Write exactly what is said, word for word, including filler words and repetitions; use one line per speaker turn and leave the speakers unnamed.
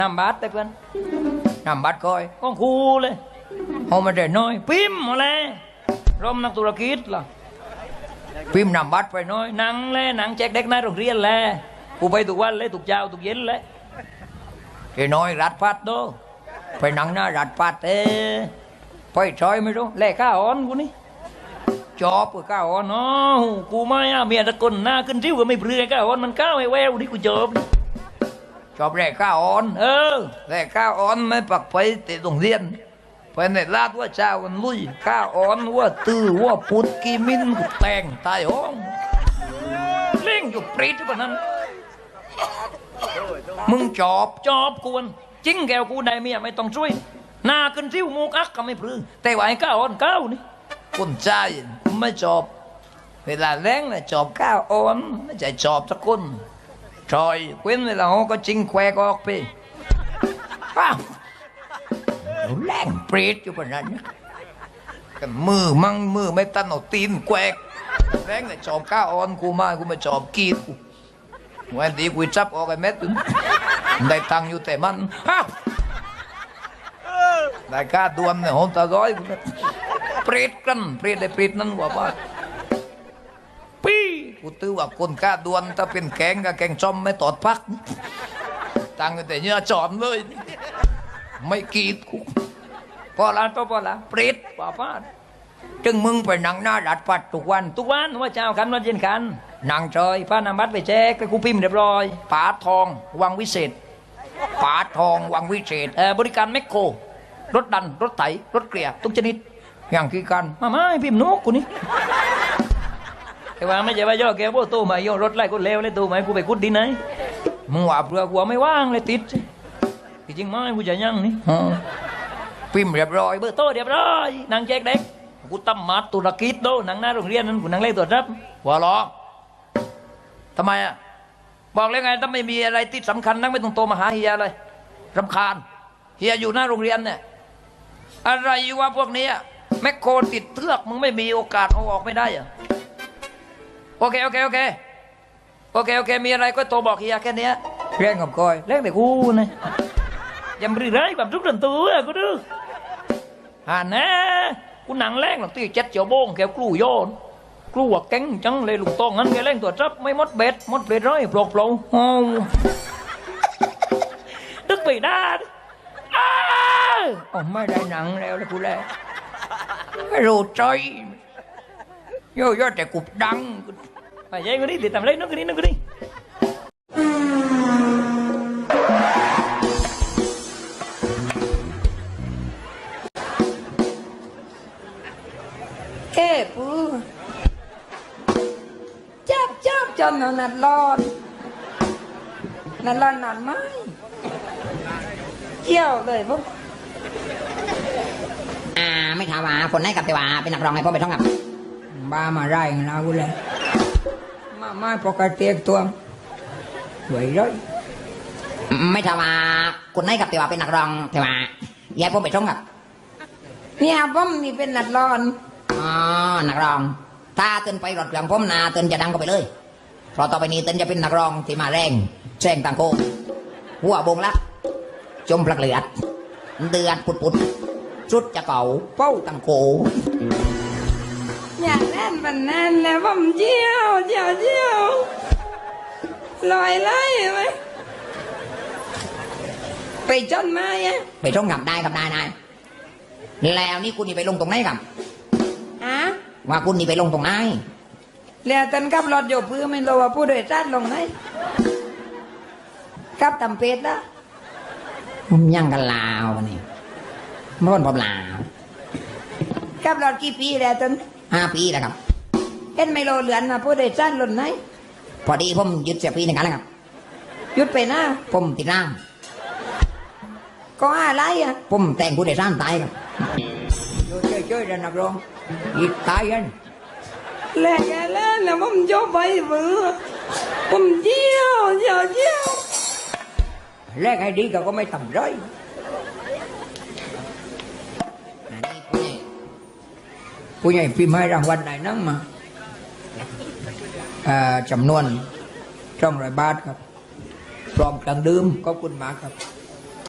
นำบัตรไปเพื่อนนำบัตรก้อยก้องคูเลยเอามาได้น้อยพิมพ์มาเลยร่มนักธุรกิจล่ะพิมพ์นำบัตรไปน้อยหนังเลยหนังแจกเด็กในโรงเรียนเลยกูไปทุกวันเลยทุกเช้าทุกเย็นเลยไอ้น้อยรัดพัดโตไปหนังหน้ารัดพัดเอ้ไปชอยไม่รู้แลกข้าอ่อนกูนี่จอบกับข้าอ่อนเนาะกูไม่อะเมียตะกนหน้าขึ้นริ้วก็ไม่เปลือยข้าอ่อนมันก้าวไอ้แววนี่กูจอบจอบแลกข้าอ่อนเออแลกข้าอ่อนไม่ปักไปติดโรงเรียนไปในลาดว่าเจ้าวันลุยข้าอ่อนว่าตื้อว่าปุดกีมินกูแต่งตายห้องเล่งอยู่ปรีดกว่านั้นมึงจอบจอบกวนจริงแกวกูได้เมียไม่ต้องช่วยหน้าขึ้นริ้วมูกักก็ไม่พลือแต่ว่าไอ้ข้าอ่อนก้าวนี่คนใจไม่จอบเวลาแรงนะจอบข้าวอ่อนไม่ใช่จอบสักคนชอยเว้นเวลาเขาก็จริงแควกออกไปป้าแรงเปรตอยู่ปนนั้นกันมือมั่งมือไม่ตันเอาตีนแควกแรงนะจอบข้าวอ่อนกูมากูมาจอบกีดกูวันดีกูจับออกไอ้เม็ดได้ตังอยู่แต่มันได้ค่าดวมเนี่ยหอมตาร้อยเปรตกันเปรตได้เปรตนั่นว่าบ้าปีกูตื้อว่าคนค่าดวนถ้าเป็นแกงกับแกงจอมไม่ตอดพักตังแต่เนื้อจอมเลยไม่กีดกูพอละตัวพอละเปรตว่าบ้าจึงมึงไปนั่งหน้าดัดปัดทุกวันทุกวันว่าเจ้ากันวันเย็นกันนั่งจอยพานำบัตรไปแจกไปกูพิมพ์เรียบร้อยปาทองวังวิเศษปาทองวังวิเศษเออบริการแมคโครรถดันรถไถรถเกลี่ยทุกชนิดอย่างคือกันมาไม่พิมพ์นกกูนี่แต่ว่าไม่ใช่ว่าย่อแกว่าตู้มาย่อรถไล่กูเลวเลยตู้มากูไปคุดดินไหนมึงว่าเปลือกกูไม่ว่างเลยติดจริงไหมกูจะยั่งนี่พิมพ์เรียบร้อยเบอร์โต้เรียบร้อยนางแจกเด็กกูตั้มมัดตุรกิจโดนางหน้าโรงเรียนนั้นกูนางเล่ตัวรับว่าหรอทำไมอ่ะบอกแล้วไงถ้าไม่มีอะไรที่สำคัญนักไม่ต้องโตมาหาเฮียเลยรำคาญเฮียอยู่หน้าโรงเรียนเนี่ยอะไรวะพวกนี้แมคโครติดเทือกมึงไม่มีโอกาสเอาออกไม่ได้อะโอเคโอเคโอเคโอเคโอเคมีอะไรก็โทรบอกเฮียแค่นี้เร่งกับก้อยเร่งแต่กูนะยังรื้อไรแบบทุกเรื่องตัวกูดูอ่านะกูหนังแรงหลังตีเจ็ดเจียวโบ้งแกกลู่โยนกลัวแก๊งจังเลยลุงตองงั้นแกเร่งตัวจับไม่มดเบ็ดมดเบ็ดร้อยปลอกปลอกโอ้ดึกไปได้อ้าวไม่ได้หนังแล้วเลยกูแล้วไม่รู้ใจโย่ย่อแต่กุบดังไปยัยกูนี่ติดตามเลยนึกกูนี่นึกกูนี่
เอ้ปูจับจับจนนัดรอนนัดรอนนัดไม้เกี่ยวเลยพวก
อ่าไม่ถามว่าคนไหนกับแต่ว่าเป็นนักร้องไงพ่อไปท่องกับ
บ้ามาไร่เรากูเลยมาไม่ปกติตัวไหวร้อย
ไม่ถามว่าคนไหนกับแต่ว่าเป็นนักร้องแต่ว่าย้ายพ่อไปท่องกับ
เนี่ยผมนี่เป็นนัดรอน
อ๋อนักร้องถ้าเต้นไปรถเครื่องผมนาเต้นจะดังก็ไปเลยเพราะต่อไปนี้เต้นจะเป็นนักร้องที่มาแรงแซงตังโกหัวบงละจมปลักเลือดเดือดปุดปุดชุดจะเก่าเป้าตังโก
อย่างนั้นมันนั่นแล้วผมเจียวเจียวเจียวลอยไล่ไหมไปจนมาอ่ะ
ไปท่องกับได้กับได้นายแล้วนี่คุณนี่ไปลงตรงไหนกับ
ฮะ
ว่าคุณนี่ไปลงตรงไหน
แล้วตันกับรถโยบพื้นไม่รู้ว่าผู้โดยสารลงไหนกับตำเป็ดนะ
ผมยังกันลาวนี่ม่วนผมลาว
กับรถกี่ปีแล้วตัน
ห้าปีแล้วครับ
เห็นไม่โลเหลือนมาผู้โดยสารลงไหน
พอดีผมหยุดเสียปีหนึ่งกันแล้วครับ
หยุดไปนะ
ผมติดร่าง
ก็อะไรอ่ะ
ผมแต่งผู้โดยสารตายครับ
โยเจ้ยๆแล้วนักร้อง
อีกตายกัน
แหลกแล้วแล้วผมโยบไปมือผมเจียวเจียวเจียว
แลกให้ดีก็ก็ไม่ต่ำร้อย
ผู้ใหญ่พิมพ์ให้รางวัลไหนนั่งมาจำนวนช่องร้อยบาทครับพร้อมเครื่องดื่มขอบคุณมากครับ